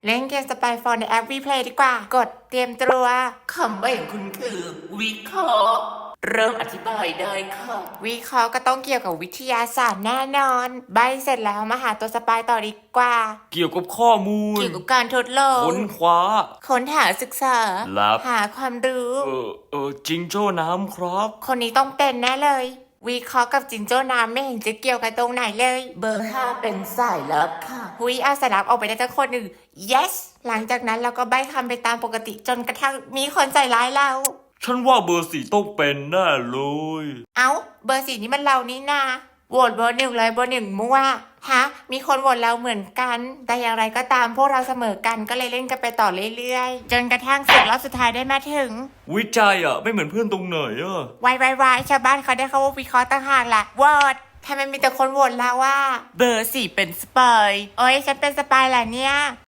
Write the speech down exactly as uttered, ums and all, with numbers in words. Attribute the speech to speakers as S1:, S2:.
S1: เล่นเกมสปายโฟนในแอปวีเพลย์ดีกว่า กดเตรียมตัว
S2: คำใบ้ของคุณคือวิเคราะห์เริ่มอธิบายได้ค่ะ
S1: วิเคราะห์ก็ต้องเกี่ยวกับวิทยาศาสตร์แน่นอน ใบเสร็จแล้วมาหาตัวสปายต่อดีกว่า
S3: เกี่ยวกับข้อมูล
S1: เกี่ยวกับการทดลอง
S3: ค้นคว้า
S1: ค้นหาศึกษา
S3: ลับ
S1: หาความรู้
S3: เออเออจิงโจ้น้ำครับ
S1: คนนี้ต้องเป็นแน่เลย วิเคราะห์กับจิงโจ้น้ำไม่เห็นจะเกี่ยวกันตรงไหนเลย
S2: เบอร์ห้าเป็นสายลับค่ะ
S1: หุยอาสลับออกไปได้ทั้งคนหนึ่ง yes หลังจากนั้นเราก็ใบคำไปตามปกติจนกระทั่งมีคนใส่ร้ายเรา
S3: ฉันว่าเบอร์สี่ต้องเป็นแน่เลย
S1: เอ้าเบอร์สี่นี่มันเรานี่นาโหวตเบอร์หนึ่งเลยเบอร์หนึ่งมั่วฮะมีคนโหวตเราเหมือนกัน แต่อย่างไรก็ตามพวกเราเสมอกันก็เลยเล่นกันไปต่อเรื่อยๆจนกระทั่งศึกรอบสุดท้ายได้มาถึง
S3: วิจัยอ่ะ ไม่เหมือนเพื่อนตรงไหนอ่ะ
S1: วายวายวายชาวบ้านเขาได้เขาว่าวิเคราะห์ต่างหากล่ะโหวตทำไมมีแต่คนโหวตเราว่า เบอร์สี่เป็นสปายโอ้ยฉันเป็นสปายแหละเนี่ย